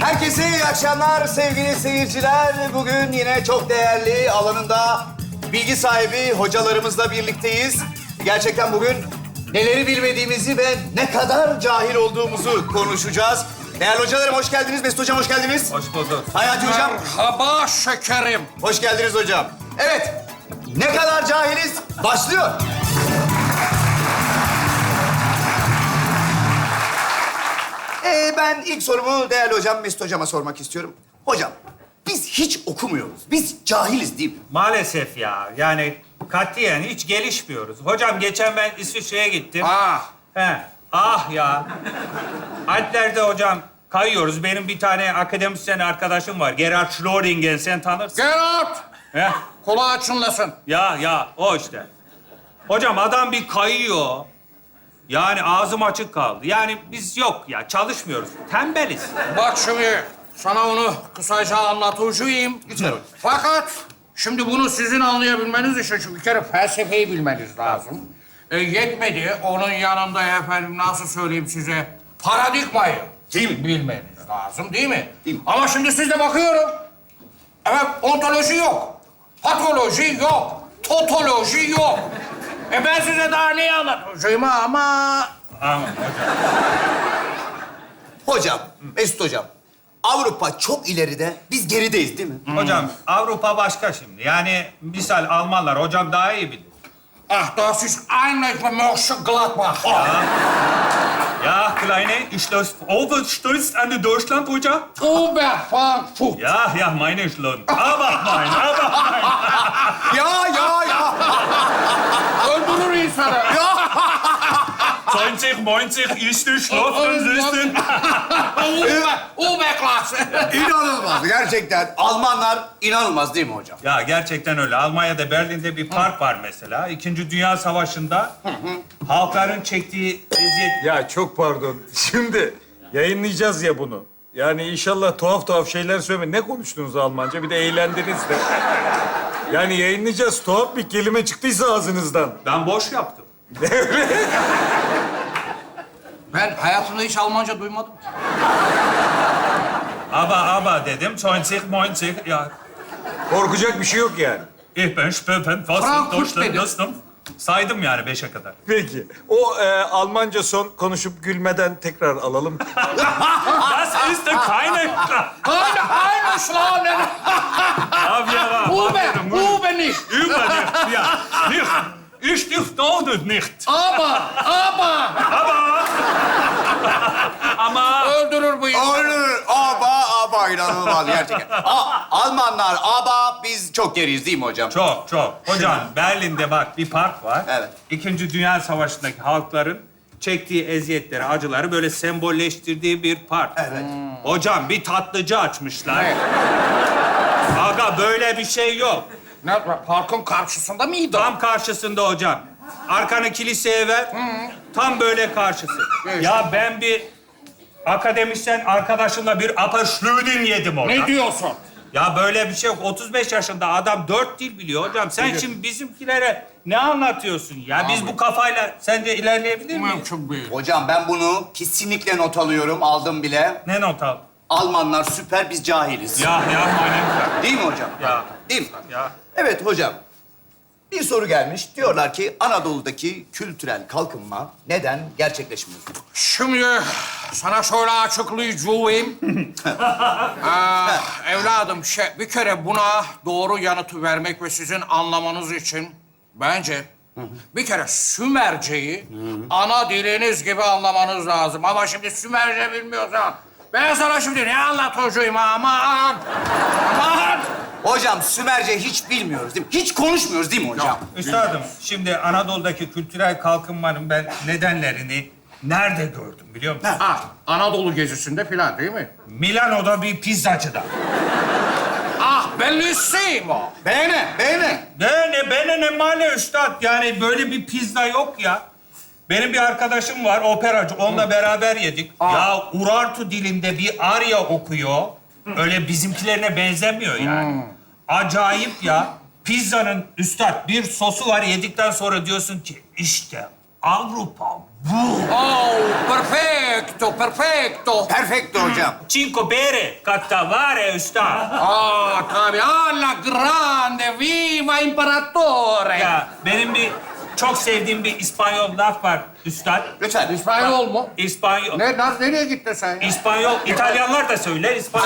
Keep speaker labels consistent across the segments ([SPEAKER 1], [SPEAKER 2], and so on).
[SPEAKER 1] Herkese iyi akşamlar sevgili seyirciler. Bugün yine çok değerli alanında bilgi sahibi hocalarımızla birlikteyiz. Gerçekten bugün neleri bilmediğimizi ve ne kadar cahil olduğumuzu konuşacağız. Değerli hocalarım hoş geldiniz. Mesut Hocam hoş geldiniz.
[SPEAKER 2] Hoş bulduk.
[SPEAKER 1] Hayati Hocam.
[SPEAKER 3] Merhaba şekerim.
[SPEAKER 1] Hoş geldiniz hocam. Evet, ne kadar cahiliz başlıyor. Ben ilk sorumu değerli hocam Mesut Hocam'a sormak istiyorum. Hocam, biz hiç okumuyoruz. Biz cahiliz değil mi?
[SPEAKER 2] Maalesef ya. Yani katiyen hiç gelişmiyoruz. Hocam geçen ben İsviçre'ye gittim.
[SPEAKER 3] Ah,
[SPEAKER 2] He. Ah ya. Alplerde hocam kayıyoruz. Benim bir tane akademisyen arkadaşım var. Gerhard Schrödinger, sen tanırsın.
[SPEAKER 3] Gerard.
[SPEAKER 2] He.
[SPEAKER 3] Kulağı çınlasın.
[SPEAKER 2] Ya o işte. Hocam adam bir kayıyor. Yani ağzım açık kaldı. Yani biz yok ya, çalışmıyoruz. Tembeliz.
[SPEAKER 3] Bak şimdi sana onu kısaca anlatacağım.
[SPEAKER 1] Lütfen hocam.
[SPEAKER 3] Fakat şimdi bunu sizin anlayabilmeniz için şu bir kere felsefeyi bilmeniz lazım. Yetmedi. Onun yanında efendim nasıl söyleyeyim size paradigmayı
[SPEAKER 1] Değil mi?
[SPEAKER 3] bilmeniz lazım değil mi?
[SPEAKER 1] Değil mi?
[SPEAKER 3] Ama şimdi size bakıyorum. Evet ontoloji yok. Patoloji yok. Totoloji yok. Ben size daha neyi anlatacağım ama...
[SPEAKER 2] Aman hocam.
[SPEAKER 1] Hocam, Mesut Hocam, Avrupa çok ileride, biz gerideyiz değil mi?
[SPEAKER 2] Hocam Avrupa başka şimdi. Yani misal Almanlar hocam daha iyi bilir.
[SPEAKER 3] Ach, das ist eigentlich Mönchengladbach.
[SPEAKER 2] Ja, Kleine, ich schloss overstürzt an die Deutschland, hocam.
[SPEAKER 3] Oberfrankfurt.
[SPEAKER 2] Ja, meine Schlund. Aber mein.
[SPEAKER 1] Ya.
[SPEAKER 3] Öldürür insanı. Ya.
[SPEAKER 2] 20, 90, ist die Schlossen, Süßen.
[SPEAKER 3] Oberklasse.
[SPEAKER 1] İnanılmaz, gerçekten. Almanlar inanılmaz değil mi hocam?
[SPEAKER 2] Ya gerçekten öyle. Almanya'da, Berlin'de bir park var mesela. İkinci Dünya Savaşı'nda halkların çektiği eziyet...
[SPEAKER 4] Ya çok pardon. Şimdi yayınlayacağız ya bunu. Yani inşallah tuhaf şeyler söyleme. Ne konuştunuz Almanca? Bir de eğlendiniz de. Yani yayınlayacağız. Tuhaf bir kelime çıktıysa ağzınızdan.
[SPEAKER 2] Ben boş yaptım.
[SPEAKER 3] Ben hayatımda hiç Almanca duymadım.
[SPEAKER 2] Aber dedim. 20, 90, ja.
[SPEAKER 4] Korkacak bir şey yok yani.
[SPEAKER 2] Ich bin Spöpen, was
[SPEAKER 3] Frankfurt
[SPEAKER 2] Deutschland,
[SPEAKER 3] dedim.
[SPEAKER 2] Dostum. Saydım yani 5'e kadar.
[SPEAKER 4] Peki. O Almanca son konuşup gülmeden tekrar alalım.
[SPEAKER 2] Das ist keine...
[SPEAKER 3] Eine Schlaunen.
[SPEAKER 2] Ja, wir waren...
[SPEAKER 3] Uber nicht.
[SPEAKER 2] Über dich, ja. Nicht. Ich dich dauert nicht. Ama...
[SPEAKER 3] Öldürür bu insanı.
[SPEAKER 1] Olur, aba inanılmaz gerçekten. Almanlar aba, biz çok geriyiz değil mi hocam?
[SPEAKER 2] Çok. Hocam Berlin'de bak bir park var.
[SPEAKER 1] Evet.
[SPEAKER 2] İkinci Dünya Savaşı'ndaki halkların çektiği eziyetleri, acıları böyle sembolleştirdiği bir park.
[SPEAKER 1] Evet.
[SPEAKER 2] Hocam bir tatlıcı açmışlar.
[SPEAKER 3] Ne?
[SPEAKER 2] Aga böyle bir şey yok.
[SPEAKER 3] Ne? Parkın karşısında mıydı?
[SPEAKER 2] Tam karşısında hocam. Arkanı kiliseye ver. Tam böyle karşısı.
[SPEAKER 3] Evet.
[SPEAKER 2] Ya ben bir akademisyen arkadaşımla bir Apfelstrudel yedim orada.
[SPEAKER 3] Ne diyorsun?
[SPEAKER 2] Ya böyle bir şey yok. 35 yaşında adam 4 dil biliyor hocam. Sen şimdi bizimkilere ne anlatıyorsun ya? Biz bu kafayla sence ilerleyebilir miyiz?
[SPEAKER 3] Mümkün değil.
[SPEAKER 1] Hocam ben bunu kesinlikle not alıyorum, aldım bile.
[SPEAKER 2] Ne not al?
[SPEAKER 1] Almanlar süper, biz cahiliz.
[SPEAKER 2] Ya manem.
[SPEAKER 1] Değil mi hocam?
[SPEAKER 2] Ya.
[SPEAKER 1] Değil mi?
[SPEAKER 2] Ya.
[SPEAKER 1] Evet hocam. Bir soru gelmiş. Diyorlar ki Anadolu'daki kültürel kalkınma neden gerçekleşmiyor?
[SPEAKER 3] Şimdi sana şöyle açıklayacağım. Evladım bir kere buna doğru yanıtı vermek ve sizin anlamanız için bence bir kere Sümerce'yi ana diliniz gibi anlamanız lazım. Ama şimdi Sümerce bilmiyorsan ben sana şimdi ne anlatacağım aman.
[SPEAKER 1] Hocam Sümerce hiç bilmiyoruz değil mi? Hiç konuşmuyoruz değil mi hocam?
[SPEAKER 2] Üstadım, şimdi Anadolu'daki kültürel kalkınmanın ben nedenlerini nerede gördüm biliyor musun?
[SPEAKER 3] Anadolu gezisinde falan değil mi?
[SPEAKER 2] Milano'da bir pizzacıda.
[SPEAKER 3] Bellissimo.
[SPEAKER 1] Beğene.
[SPEAKER 2] Bene ne male üstad. Yani böyle bir pizza yok ya. Benim bir arkadaşım var, operacı. Onunla beraber yedik. Ya Urartu dilinde bir arya okuyor. Öyle bizimkilerine benzemiyor yani. Acayip ya. Pizzanın üstad bir sosu var. Yedikten sonra diyorsun ki işte Avrupa bu.
[SPEAKER 3] Oh, perfetto, perfetto.
[SPEAKER 1] Perfecto hocam.
[SPEAKER 2] Cinque bere, cattavare üstad.
[SPEAKER 3] Tabii. Alla grande, viva imperatore.
[SPEAKER 2] Ya benim bir çok sevdiğim bir İspanyol laf var üstad.
[SPEAKER 1] Lütfen.
[SPEAKER 3] İspanyol mu?
[SPEAKER 2] İspanyol.
[SPEAKER 3] Nereye gittin sen ya?
[SPEAKER 2] İspanyol, İtalyanlar da söyler, İspanyol.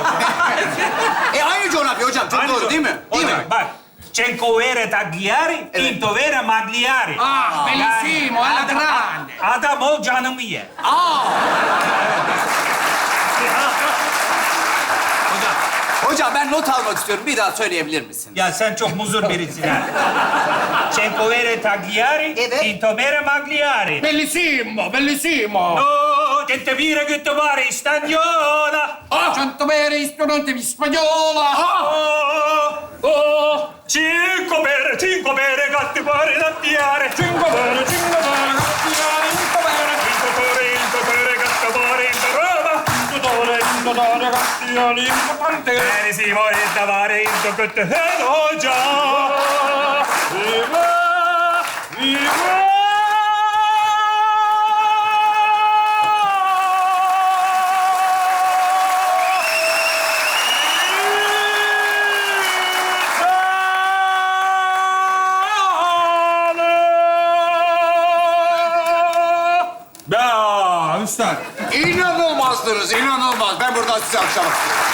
[SPEAKER 1] Aynı coğrafya hocam. Çok doğru değil mi? Değil mi?
[SPEAKER 2] Bak. Cinque vere tagliari, quinto vere magliari.
[SPEAKER 3] Ah, bellissimo, alla grande.
[SPEAKER 2] Adam ol canımı ye.
[SPEAKER 1] Hocam ben not almak istiyorum. Bir daha söyleyebilir misin?
[SPEAKER 2] Ya sen çok muzur birisin ha. Cinque vere tagliari,
[SPEAKER 1] Evet.
[SPEAKER 2] quinto vere magliari.
[SPEAKER 3] Bellissimo, bellissimo.
[SPEAKER 2] No, gente vire, gente vare, stagnola.
[SPEAKER 3] Cento bere istrumenti spagnola.
[SPEAKER 2] Cinque bere, gatti pare da piare. Cinque bere, gattiare, cinque bere, gatti pare in Roma. Bene, si vuole davare in tocco già. Viva, viva. Ya üstad.
[SPEAKER 1] İnanılmazdınız, inanılmaz. Ben buradan size akşam.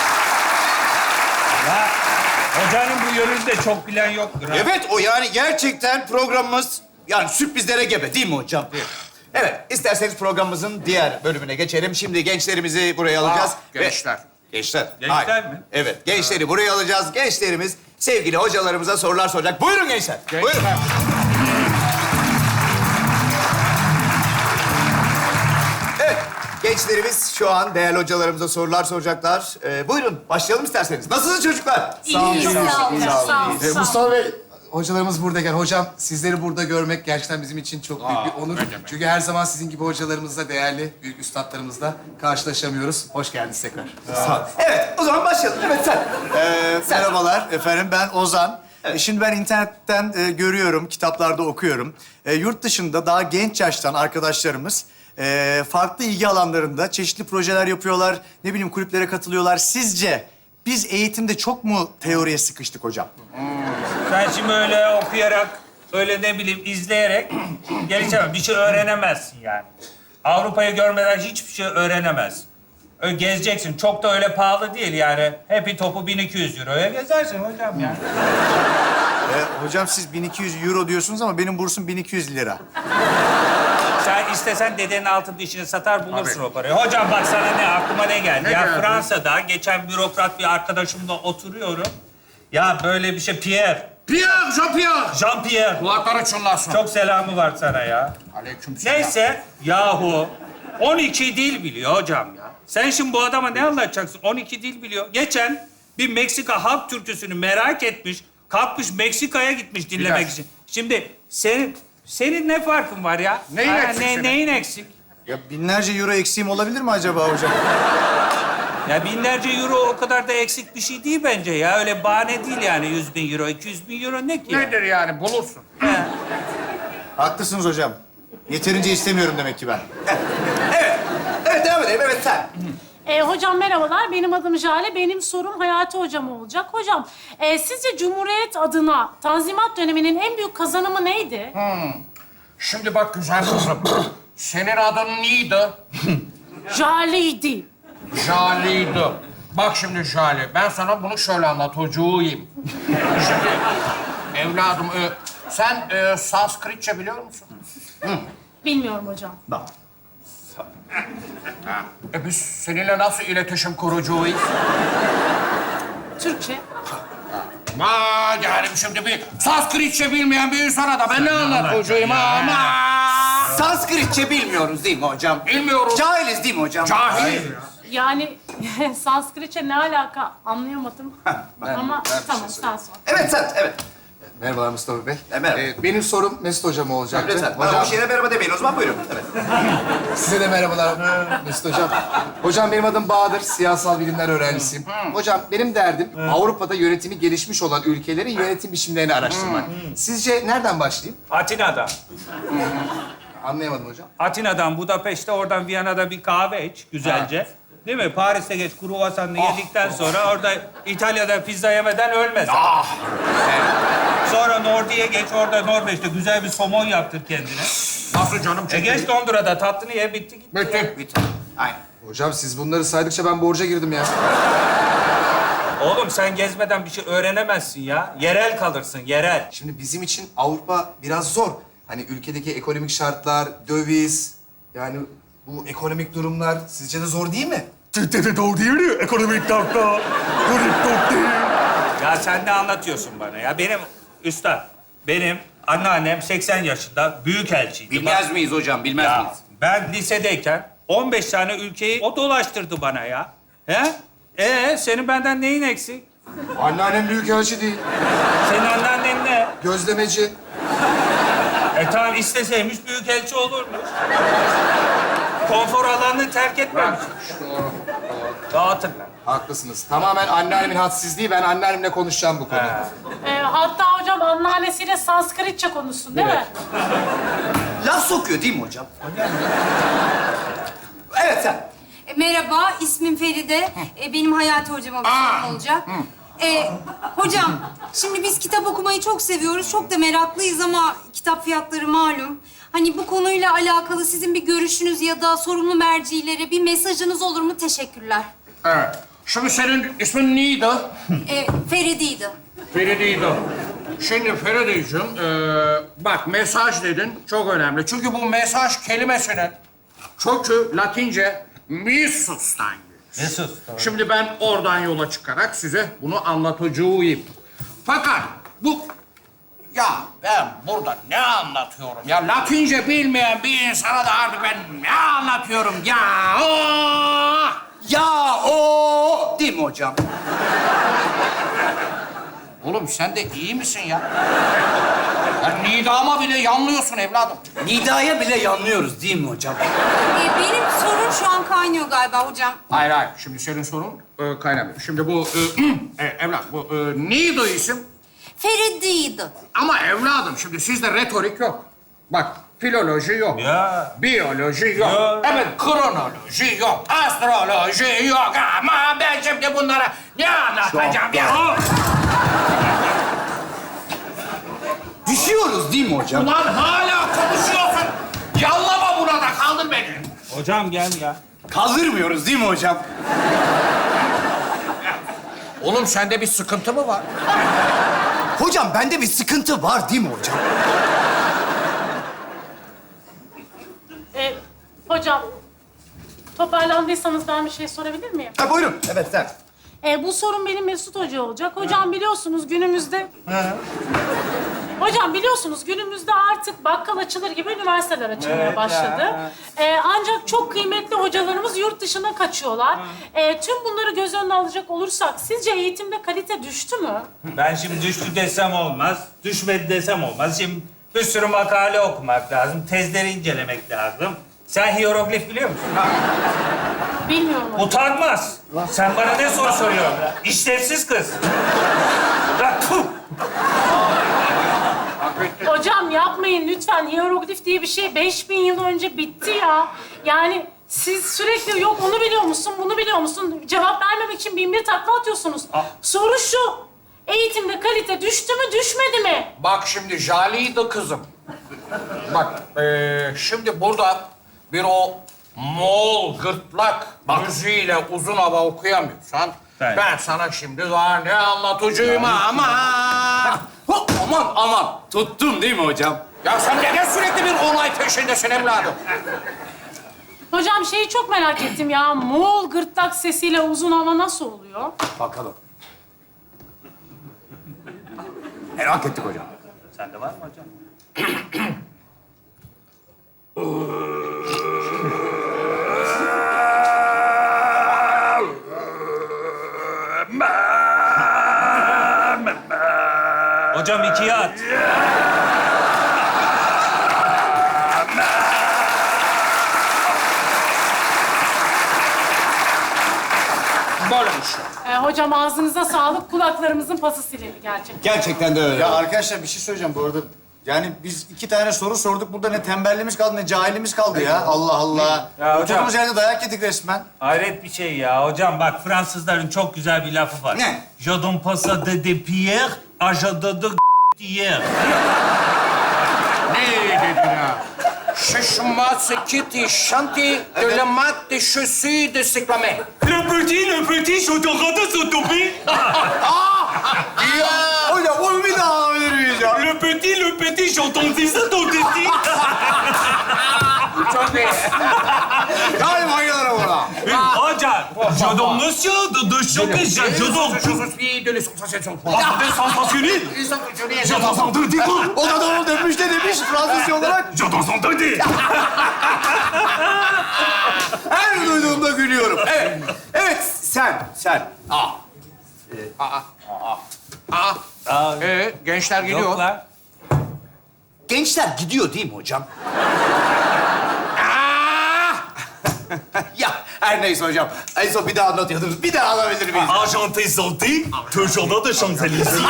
[SPEAKER 2] Ya hocanın bu yönünde çok bilen yoktur ha.
[SPEAKER 1] Evet, o yani gerçekten programımız yani sürprizlere gebe değil mi hocam? Evet, isterseniz programımızın diğer bölümüne geçelim. Şimdi gençlerimizi buraya alacağız.
[SPEAKER 3] gençler.
[SPEAKER 1] Gençler.
[SPEAKER 2] Gençler
[SPEAKER 1] Hayır.
[SPEAKER 2] mi?
[SPEAKER 1] Evet, gençleri buraya alacağız. Gençlerimiz sevgili hocalarımıza sorular soracak. Buyurun gençler. Buyurun. Evet, gençlerimiz şu an değerli hocalarımıza sorular soracaklar. Buyurun, başlayalım isterseniz. Nasılsınız çocuklar?
[SPEAKER 5] İyi, sağ olun. Sağ olun.
[SPEAKER 6] Mustafa Bey, hocalarımız buradayken hocam sizleri burada görmek gerçekten bizim için çok büyük bir onur. Çünkü her zaman sizin gibi hocalarımızla, değerli büyük üstadlarımızla karşılaşamıyoruz. Hoş geldiniz tekrar.
[SPEAKER 1] Evet, o zaman başlayalım. Evet, sen.
[SPEAKER 7] Merhabalar efendim, ben Ozan. Şimdi ben internetten görüyorum, kitaplarda okuyorum. Yurt dışında daha genç yaştan arkadaşlarımız farklı ilgi alanlarında çeşitli projeler yapıyorlar. Ne bileyim kulüplere katılıyorlar. Sizce biz eğitimde çok mu teoriye sıkıştık hocam?
[SPEAKER 2] Sen şimdi öyle okuyarak, öyle ne bileyim izleyerek gelişemez. Bir şey öğrenemezsin yani. Avrupa'yı görmeden hiçbir şey öğrenemezsin. Öyle gezeceksin. Çok da öyle pahalı değil yani. Happy topu 1200 euroya gezersin hocam yani.
[SPEAKER 7] Hocam siz 1200 euro diyorsunuz ama benim bursum 1200 lira.
[SPEAKER 2] Sen istesen dedenin altın dişini satar bulursun o parayı. Hocam bak sana ne aklıma ne geldi? Fransa'da geçen bürokrat bir arkadaşımla oturuyorum. Ya böyle bir şey Pierre.
[SPEAKER 3] Jean-Pierre.
[SPEAKER 2] Jean-Pierre.
[SPEAKER 3] Kulakları çınlasın.
[SPEAKER 2] Çok selamı var sana ya.
[SPEAKER 3] Aleykümselam.
[SPEAKER 2] Neyse yahu 12 dil biliyor hocam ya. Sen şimdi bu adama ne anlatacaksın? 12 dil biliyor. Geçen bir Meksika halk türküsünü merak etmiş. Kalkmış Meksika'ya gitmiş dinlemek
[SPEAKER 3] dakika.
[SPEAKER 2] için. Şimdi senin ne farkın var ya?
[SPEAKER 3] Neyin eksik senin?
[SPEAKER 2] Neyin eksik?
[SPEAKER 7] Ya binlerce euro eksiğim olabilir mi acaba hocam?
[SPEAKER 2] Ya binlerce euro o kadar da eksik bir şey değil bence ya. Öyle bahane değil yani 100.000 euro, 200.000 euro ne ki ya?
[SPEAKER 3] Nedir yani bulursun.
[SPEAKER 2] He.
[SPEAKER 7] Haklısınız hocam. Yeterince istemiyorum demek ki ben.
[SPEAKER 1] Evet, devam edelim. Evet, sen.
[SPEAKER 5] Hocam merhabalar. Benim adım Jale. Benim sorum Hayati Hocam olacak. Hocam, sizce Cumhuriyet adına Tanzimat döneminin en büyük kazanımı neydi?
[SPEAKER 3] Şimdi bak güzel kızım. Senin adın neydi?
[SPEAKER 5] Jale'ydi.
[SPEAKER 3] Jale'ydi. Bak şimdi Jale, ben sana bunu şöyle anlatacağım. Şimdi evladım, sen Sanskritçe biliyor musun?
[SPEAKER 5] Bilmiyorum hocam.
[SPEAKER 3] Biz seninle nasıl iletişim kuracağız?
[SPEAKER 5] Türkçe.
[SPEAKER 3] Yani şimdi bir Sanskritçe bilmeyen bir insana da ben ne anlatacağım ama?
[SPEAKER 1] Sanskritçe bilmiyoruz değil mi hocam?
[SPEAKER 3] Bilmiyorum.
[SPEAKER 1] Cahiliz değil mi hocam?
[SPEAKER 3] Cahil.
[SPEAKER 5] Yani Sanskritçe ne alaka anlayamadım. Ama tamam sağ ol.
[SPEAKER 1] Evet, sen. Evet.
[SPEAKER 6] Merhabalar Mustafa Bey.
[SPEAKER 1] Merhaba.
[SPEAKER 6] Benim sorum Mesut Hocam olacaktı.
[SPEAKER 1] Lütfen. Bana
[SPEAKER 6] Hocam,
[SPEAKER 1] boş yere merhaba demeyin o zaman. Buyurun. Evet.
[SPEAKER 6] size de merhabalar Mesut Hocam. Hocam benim adım Bahadır, siyasal bilimler öğrencisiyim. Hocam benim derdim Avrupa'da yönetimi gelişmiş olan ülkelerin yönetim biçimlerini araştırmak. Sizce nereden başlayayım?
[SPEAKER 2] Atina'da.
[SPEAKER 6] Anlayamadım hocam.
[SPEAKER 2] Atina'dan Budapeşte, oradan Viyana'da bir kahve iç güzelce. Değil mi? Paris'te geç kruvasanını yedikten sonra orada İtalya'da pizza yemeden ölmez. Sonra Nordi'ye geç, orada Norveç'te güzel bir somon yaptır kendine.
[SPEAKER 3] Nasıl canım çekiyor?
[SPEAKER 2] Geç Londra'da tatlını ye, bitti gitti.
[SPEAKER 3] Bitti.
[SPEAKER 7] Aynen.
[SPEAKER 6] Hocam siz bunları saydıkça ben borca girdim ya.
[SPEAKER 2] Oğlum sen gezmeden bir şey öğrenemezsin ya. Yerel kalırsın, yerel.
[SPEAKER 6] Şimdi bizim için Avrupa biraz zor. Hani ülkedeki ekonomik şartlar, döviz, yani bu ekonomik durumlar sizce de zor değil mi?
[SPEAKER 4] Doğru değil mi? Ekonomik tahta.
[SPEAKER 2] Ya sen ne anlatıyorsun bana ya? Benim anneannem 80 yaşında büyükelçiydi.
[SPEAKER 8] Bilmez miyiz hocam, bilmez
[SPEAKER 2] Ya,
[SPEAKER 8] miyiz?
[SPEAKER 2] ben lisedeyken 15 tane ülkeyi o dolaştırdı bana ya. He? Senin benden neyin eksik?
[SPEAKER 6] Anneannem büyükelçi değil,
[SPEAKER 2] Senin anneannen ne?
[SPEAKER 6] gözlemeci.
[SPEAKER 2] Tamam isteseymiş büyükelçi olurmuş. Konfor alanını terk etmemiş. Dağıtın lan.
[SPEAKER 6] Haklısınız. Tamamen anneannemin hadsizliği. Ben anneannemle konuşacağım bu konuda.
[SPEAKER 5] Hatta hocam anneannesiyle Sanskritçe konuşsun değil mi?
[SPEAKER 7] Laf sokuyor değil mi hocam? Evet sen.
[SPEAKER 9] Merhaba, ismim Feride. Benim Hayati hocama bir sorum olacak. Hocam, şimdi biz kitap okumayı çok seviyoruz, çok da meraklıyız ama kitap fiyatları malum. Hani bu konuyla alakalı sizin bir görüşünüz ya da sorumlu mercilere bir mesajınız olur mu? Teşekkürler.
[SPEAKER 3] Evet. Şimdi senin ismin neydi?
[SPEAKER 9] Feride'ydi.
[SPEAKER 3] Feride'ydi. Şimdi Feride'cim, bak mesaj dedin çok önemli. Çünkü bu mesaj kelimesinin kökü Latince missus'tan gelir.
[SPEAKER 2] Mesut.
[SPEAKER 3] Şimdi ben oradan yola çıkarak size bunu anlatacağım. Fakat bu... Ya ben burada ne anlatıyorum ya? Latince bilmeyen bir insana da artık ben ne anlatıyorum ya?
[SPEAKER 8] Ya o değil mi hocam?
[SPEAKER 3] Oğlum sen de iyi misin ya? Ya nidama bile yanlıyorsun evladım.
[SPEAKER 8] Nidaya bile yanlıyoruz değil mi hocam?
[SPEAKER 9] Benim sorun şu an kaynıyor galiba hocam.
[SPEAKER 3] Hayır hayır. Şimdi senin sorun kaynamıyor. Şimdi bu evlat bu neydi isim?
[SPEAKER 9] Feride'ydi.
[SPEAKER 3] Ama evladım şimdi sizde retorik yok. Bak filoloji yok.
[SPEAKER 2] Ya.
[SPEAKER 3] Biyoloji yok.
[SPEAKER 2] Ya.
[SPEAKER 3] Evet kronoloji yok. Astroloji yok. Ama ben şimdi bunlara ne anlatacağım ya?
[SPEAKER 8] Düşüyoruz değil mi hocam?
[SPEAKER 3] Ulan hala konuşuyorsun. Yallama buna da kaldır beni.
[SPEAKER 2] Hocam gel ya.
[SPEAKER 8] Kaldırmıyoruz değil mi hocam?
[SPEAKER 3] Oğlum sende bir sıkıntı mı var?
[SPEAKER 7] Hocam bende bir sıkıntı var değil mi hocam?
[SPEAKER 5] Hocam, toparlandıysanız ben bir şey sorabilir miyim?
[SPEAKER 7] Ha, buyurun. Evet sen.
[SPEAKER 5] Bu sorun benim Mesut Hoca olacak. Hocam biliyorsunuz günümüzde... Hocam biliyorsunuz günümüzde artık bakkal açılır gibi üniversiteler açılmaya başladı. Ancak çok kıymetli hocalarımız yurt dışına kaçıyorlar. Tüm bunları göz önüne alacak olursak sizce eğitimde kalite düştü mü?
[SPEAKER 2] Ben şimdi düştü desem olmaz, düşmedi desem olmaz. Şimdi bir sürü makale okumak lazım, tezleri incelemek lazım. Sen hieroglif biliyor musun?
[SPEAKER 5] Bilmiyorum hocam.
[SPEAKER 2] Utanmaz. Sen bana ne soru soruyorsun? İşlevsiz kız. Ya, tüh!
[SPEAKER 5] Hocam yapmayın lütfen. Hieroglif diye bir şey 5000 yıl önce bitti ya. Yani siz sürekli yok onu biliyor musun, bunu biliyor musun? Cevap vermemek için bin bir takla atıyorsunuz. Soru şu. Eğitimde kalite düştü mü, düşmedi mi?
[SPEAKER 3] Bak şimdi Jale'ydi kızım. Bak şimdi burada bir o Moğol gırtlak müziğiyle uzun hava okuyamıyorsan...
[SPEAKER 2] Evet.
[SPEAKER 3] Ben sana şimdi daha ne anlatacağım ama...
[SPEAKER 8] Hop, aman tuttum değil mi hocam?
[SPEAKER 3] Ya sen neden sürekli bir olay peşindesin evladım?
[SPEAKER 5] Hocam şeyi çok merak ettim ya. Moğol gırtlak sesiyle uzun hava nasıl oluyor?
[SPEAKER 7] Bakalım. Merak ettik hocam.
[SPEAKER 2] Sende var mı hocam? Hocam ikiye at.
[SPEAKER 3] Böylemiş.
[SPEAKER 5] Hocam ağzınıza sağlık. Kulaklarımızın pası silindi gerçekten.
[SPEAKER 7] Gerçekten de öyle.
[SPEAKER 10] Ya arkadaşlar bir şey söyleyeceğim bu arada.
[SPEAKER 7] Yani biz 2 tane soru sorduk. Burada ne tembelliğimiz kaldı ne cahilliğimiz kaldı ya. Allah Allah.
[SPEAKER 2] Ya hocam.
[SPEAKER 7] Oturduğumuz yerde dayak yedik resmen.
[SPEAKER 2] Hayret bir şey ya. Hocam bak Fransızların çok güzel bir lafı var.
[SPEAKER 7] Ne?
[SPEAKER 2] Je donne pas ça de pierre, à je donne de hier.
[SPEAKER 3] Ne dedin ha? Şaşma sekiti şanti de la mat de chaussures de cyclamen.
[SPEAKER 2] Le petit, je te rate son topi.
[SPEAKER 7] Hocam onu bir daha alabilir miyiz ya?
[SPEAKER 2] Le petit, j'entendais ça ton testi.
[SPEAKER 3] Çok iyi.
[SPEAKER 7] Galiba bayılırım ona.
[SPEAKER 2] Hocam, je donne monsieur de choquer, je donne.
[SPEAKER 3] Je suis de l'essentiel.
[SPEAKER 2] Attendez, sensationnel. Je donne son testi.
[SPEAKER 7] O da doğru demiş ne demiş Fransızca olarak?
[SPEAKER 2] Je donne son testi.
[SPEAKER 7] Her duyduğumda gülüyorum. Evet. Evet sen.
[SPEAKER 3] Gençler gidiyor.
[SPEAKER 2] Yoklar.
[SPEAKER 1] Gençler gidiyor değil mi hocam? Ya her neyse hocam. En son bir daha anlatıyordunuz. Bir daha alabilir miyiz?
[SPEAKER 2] Argenté santé, toujours de Champs-Élysées.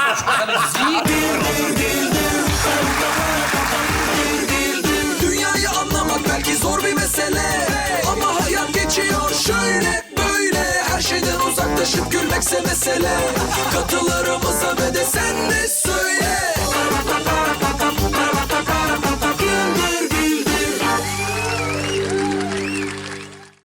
[SPEAKER 10] Dünyayı anlamak belki zor bir mesele, ama hayat geçiyor şöyle böyle. Her şeyden uzaklaşıp gülmekse mesele. Katılarımıza ve de sen de